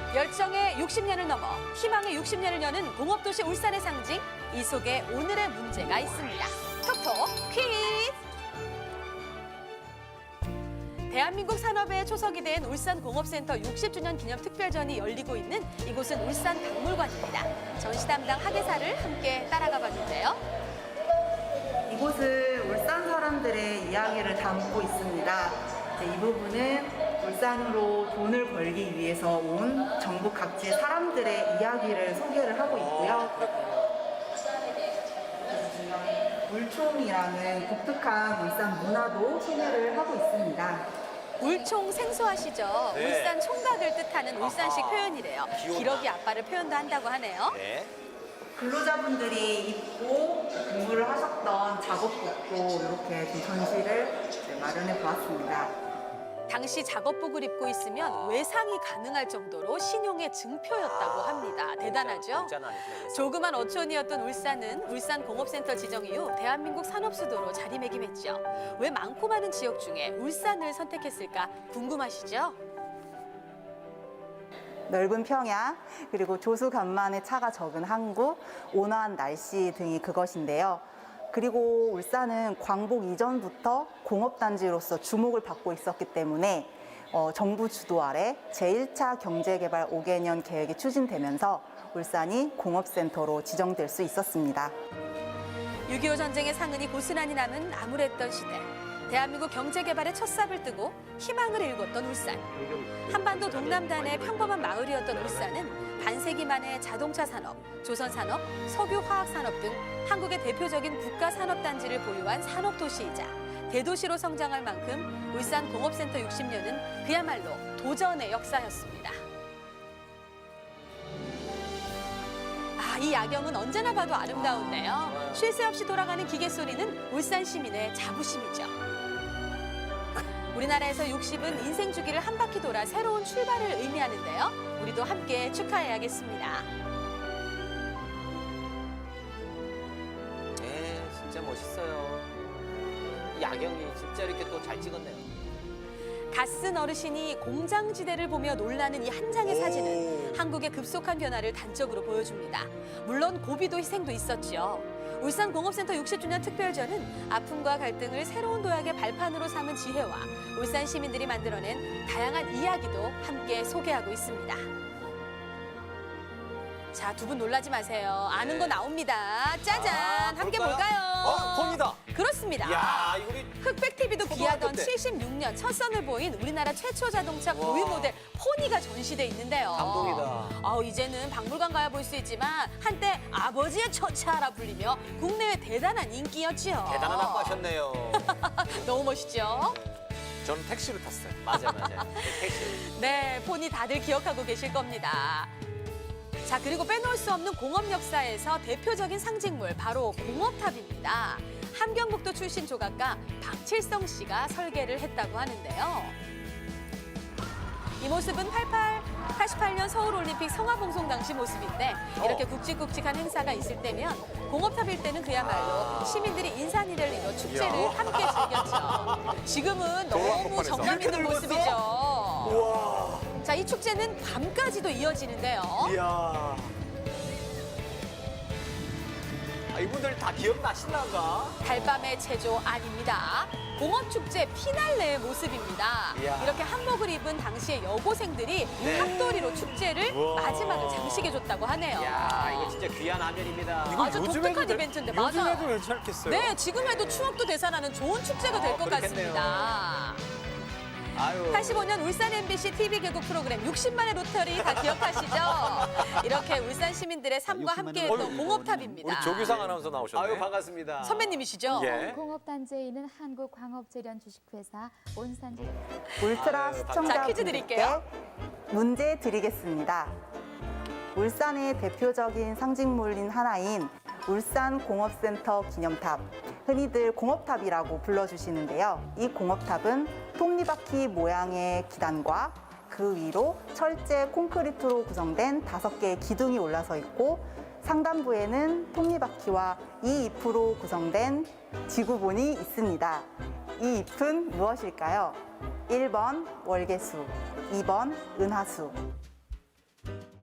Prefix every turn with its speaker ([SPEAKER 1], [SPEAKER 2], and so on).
[SPEAKER 1] 열정의 60년을 넘어 희망의 60년을 여는 공업도시 울산의 상징, 이 속에 오늘의 문제가 있습니다. 톡톡 퀴즈! 대한민국 산업의 초석이 된 울산공업센터 60주년 기념 특별전이 열리고 있는 이곳은 울산박물관입니다. 전시 담당 학예사를 함께 따라가 봤는데요.
[SPEAKER 2] 이곳은 울산 사람들의 이야기를 담고 있습니다. 이 부분은 울산으로 돈을 벌기 위해서 온 전국 각지의 사람들의 이야기를 소개를 하고 있고요. 물총이라는 독특한 울산 문화도 소개를 하고 있습니다.
[SPEAKER 1] 물총 생소하시죠?
[SPEAKER 3] 네.
[SPEAKER 1] 울산 총각을 뜻하는 울산식 표현이래요. 기러기 아빠를 표현도 한다고 하네요.
[SPEAKER 3] 네.
[SPEAKER 2] 근로자분들이 입고 근무를 하셨던 작업복도 이렇게 좀 전시를 마련해 보았습니다.
[SPEAKER 1] 당시 작업복을 입고 있으면 외상이 가능할 정도로 신용의 증표였다고 합니다. 대단하죠? 조그만 어촌이었던 울산은 울산공업센터 지정 이후 대한민국 산업수도로 자리매김했죠. 왜 많고 많은 지역 중에 울산을 선택했을까 궁금하시죠?
[SPEAKER 2] 넓은 평야, 그리고 조수간만의 차가 적은 항구, 온화한 날씨 등이 그것인데요. 그리고 울산은 광복 이전부터 공업단지로서 주목을 받고 있었기 때문에 정부 주도 아래 제1차 경제개발 5개년 계획이 추진되면서 울산이 공업센터로 지정될 수 있었습니다.
[SPEAKER 1] 6.25 전쟁의 상흔이 고스란히 남은 암울했던 시대. 대한민국 경제개발의 첫 삽을 뜨고 희망을 일궜던 울산. 한반도 동남단의 평범한 마을이었던 울산은 반세기 만에 자동차 산업, 조선 산업, 석유 화학 산업 등 한국의 대표적인 국가 산업단지를 보유한 산업도시이자 대도시로 성장할 만큼 울산 공업센터 60년은 그야말로 도전의 역사였습니다. 이 야경은 언제나 봐도 아름다운데요. 쉴 새 없이 돌아가는 기계 소리는 울산 시민의 자부심이죠. 우리나라에서 60은 인생 주기를 한 바퀴 돌아 새로운 출발을 의미하는데요. 우리도 함께 축하해야겠습니다.
[SPEAKER 3] 네, 진짜 멋있어요. 야경이 진짜 이렇게 또 잘 찍었네요.
[SPEAKER 1] 갓쓴 어르신이 공장지대를 보며 놀라는 이 한 장의 사진은 한국의 급속한 변화를 단적으로 보여줍니다. 물론 고비도 희생도 있었죠. 울산공업센터 60주년 특별전은 아픔과 갈등을 새로운 도약의 발판으로 삼은 지혜와 울산 시민들이 만들어낸 다양한 이야기도 함께 소개하고 있습니다. 자, 두 분 놀라지 마세요. 아는 거 나옵니다. 짜잔! 함께 볼까요?
[SPEAKER 3] 폰이다.
[SPEAKER 1] 그렇습니다.
[SPEAKER 3] 야, 이거 우리
[SPEAKER 1] 흑백TV도 귀하던
[SPEAKER 3] 때.
[SPEAKER 1] 76년 첫 선을 보인 우리나라 최초 자동차 고유 모델 포니가 전시돼 있는데요.
[SPEAKER 3] 감동이다.
[SPEAKER 1] 이제는 박물관 가야 볼 수 있지만 한때 아버지의 첫차라 불리며 국내외 대단한 인기였지요.
[SPEAKER 3] 대단한 아빠 하셨네요.
[SPEAKER 1] 너무 멋있죠?
[SPEAKER 4] 저는 택시를 탔어요.
[SPEAKER 3] 맞아요. 택시.
[SPEAKER 1] 네, 포니 다들 기억하고 계실 겁니다. 자, 그리고 빼놓을 수 없는 공업 역사에서 대표적인 상징물 바로 공업탑입니다. 함경북도 출신 조각가 박칠성 씨가 설계를 했다고 하는데요. 이 모습은 88년 서울올림픽 성화봉송 당시 모습인데 이렇게 굵직굵직한 행사가 있을 때면 공업탑일 때는 그야말로 시민들이 인산이를 이뤄 축제를 함께 즐겼죠. 지금은 너무 정감 있는 모습이죠.
[SPEAKER 4] 우와.
[SPEAKER 1] 자, 이 축제는 밤까지도 이어지는데요.
[SPEAKER 4] 이야.
[SPEAKER 3] 이분들 다 기억나시나가?
[SPEAKER 1] 달밤의 체조 아닙니다. 공업축제 피날레의 모습입니다.
[SPEAKER 3] 이야.
[SPEAKER 1] 이렇게 한복을 입은 당시의 여고생들이 합도리로 축제를
[SPEAKER 4] 우와.
[SPEAKER 1] 마지막을 장식해줬다고 하네요.
[SPEAKER 3] 야, 이거 진짜 귀한 화면입니다.
[SPEAKER 1] 아주 독특한 이벤트인데, 맞아요.
[SPEAKER 4] 요즘에도 괜찮겠어요.
[SPEAKER 1] 네, 지금 해도 추억도 되살아나는 좋은 축제가 될 것
[SPEAKER 3] 그렇겠네요.
[SPEAKER 1] 같습니다.
[SPEAKER 3] 아유.
[SPEAKER 1] 85년 울산 MBC TV 개국 프로그램 60만의 로터리 다 기억하시죠? 이렇게 울산 시민들의 삶과 함께했던 공업탑입니다.
[SPEAKER 4] 우리 조규상 아나운서 나오셨네.
[SPEAKER 3] 아유, 반갑습니다.
[SPEAKER 1] 선배님이시죠?
[SPEAKER 4] 예.
[SPEAKER 5] 공업단지에 있는 한국광업재련 주식회사 온산.
[SPEAKER 2] 울트라
[SPEAKER 3] 아유,
[SPEAKER 1] 자, 퀴즈
[SPEAKER 2] 시청자분들께
[SPEAKER 1] 드릴게요.
[SPEAKER 2] 문제 드리겠습니다. 울산의 대표적인 상징물인 하나인 울산공업센터 기념탑, 흔히들 공업탑이라고 불러주시는데요. 이 공업탑은 톱니바퀴 모양의 기단과 그 위로 철제 콘크리트로 구성된 5개의 기둥이 올라서 있고 상단부에는 톱니바퀴와 이 잎으로 구성된 지구본이 있습니다. 이 잎은 무엇일까요? 1번 월계수, 2번 은하수.